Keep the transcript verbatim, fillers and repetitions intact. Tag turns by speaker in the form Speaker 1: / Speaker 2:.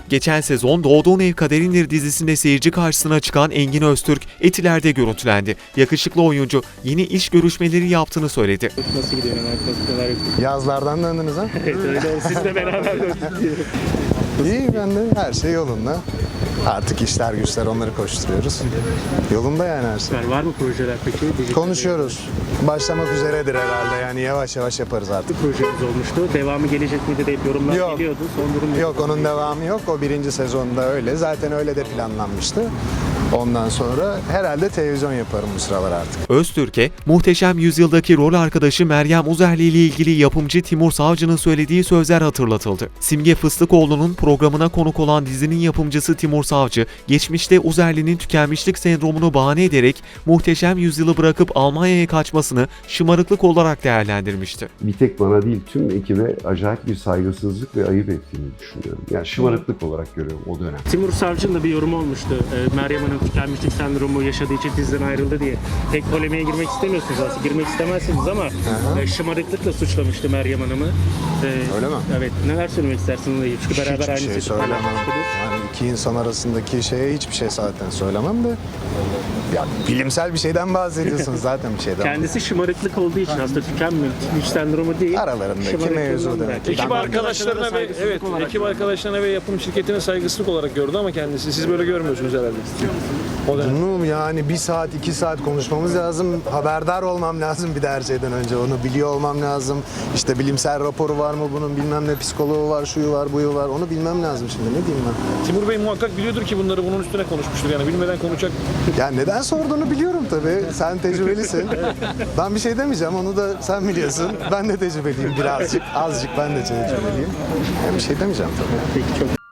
Speaker 1: Geçen sezon Doğduğun Ev Kaderindir dizisinde seyirci karşısına çıkan Engin Öztürk, Etiler'de görüntülendi. Yakışıklı oyuncu yeni iş görüşmeleri yaptığını söyledi.
Speaker 2: Nasıl gidiyor? Neler yapıyorsunuz?
Speaker 3: Yazlardan döndünüz ha?
Speaker 2: Evet öyle oldu. Sizle beraber döndük diyelim.
Speaker 3: İyi, ben de her şey yolunda. Artık işler güçler onları koşturuyoruz. Yolunda yani her şey.
Speaker 2: Var mı projeler peki? Dijital
Speaker 3: Konuşuyoruz. Başlamak üzeredir herhalde, yani yavaş yavaş yaparız artık.
Speaker 2: projemiz olmuştu. Devamı gelecek miydi deyip yorumlar
Speaker 3: Yok.
Speaker 2: geliyordu. Son durum
Speaker 3: Yok, onun devamı yok. O birinci sezonda öyle. Zaten öyle de planlanmıştı. Ondan sonra herhalde televizyon yaparım bu sıralar artık.
Speaker 1: Öztürk'e Muhteşem Yüzyıl'daki rol arkadaşı Meryem Uzerli ile ilgili yapımcı Timur Savcı'nın söylediği sözler hatırlatıldı. Simge Fıstıkoğlu'nun programına konuk olan dizinin yapımcısı Timur Savcı, geçmişte Uzerli'nin tükenmişlik sendromunu bahane ederek Muhteşem Yüzyıl'ı bırakıp Almanya'ya kaçmasını şımarıklık olarak değerlendirmişti.
Speaker 4: Bir tek bana değil, tüm ekibe acayip bir saygısızlık ve ayıp ettiğini düşünüyorum. Yani şımarıklık olarak görüyorum o dönem.
Speaker 2: Timur Savcı'nın da bir yorumu olmuştu. Ee, Meryem Hanım tükenmişlik sendromu yaşadığı için diziden ayrıldı diye. Pek polemiğe girmek istemiyorsunuz aslında. Girmek istemezsiniz ama e, şımarıklıkla suçlamıştı Meryem Hanım'ı. Ee,
Speaker 3: Öyle mi?
Speaker 2: Evet. Neler söylemek istersiniz? Çünkü beraber
Speaker 3: Hiçbir
Speaker 2: aynı
Speaker 3: şey
Speaker 2: seti
Speaker 3: söylemem.
Speaker 2: paylaşmıştınız.
Speaker 3: Yani iki insan arasındaki şeye hiçbir şey zaten söylemem de. Ya bilimsel bir şeyden bahsediyorsunuz, zaten bir şeyden.
Speaker 2: Kendisi şımarıklık olduğu için aslında tükenmişlik sendromu değil.
Speaker 3: Aralarındaki
Speaker 2: şımarıklığından
Speaker 3: mevzu demek.
Speaker 2: belki.
Speaker 5: Ekip
Speaker 2: Ben-
Speaker 5: arkadaşlarına ve
Speaker 2: saygısızlık
Speaker 5: evet,
Speaker 2: olarak
Speaker 5: ekip arkadaşlarına ve yapım şirketine saygısızlık olarak gördü ama kendisi siz böyle görmüyorsunuz herhalde. O dönem.
Speaker 3: Bunu yani bir saat, iki saat konuşmamız lazım. Haberdar olmam lazım bir de her şeyden önce. Onu biliyor olmam lazım. İşte bilimsel raporu var mı bunun, bilmem ne psikoloğu var, şuyu var, buyu var. Onu bilmem lazım şimdi. Ne diyeyim ben?
Speaker 5: Timur Bey muhakkak biliyordur ki bunları bunun üstüne konuşmuştur yani bilmeden konuşacak.
Speaker 3: Ya neden sorduğunu biliyorum tabii. Sen tecrübelisin. Ben bir şey demeyeceğim. Onu da sen biliyorsun. Ben de tecrübeliyim birazcık. Azıcık ben de tecrübeliyim. Ben bir şey demeyeceğim tabii.
Speaker 2: Peki çok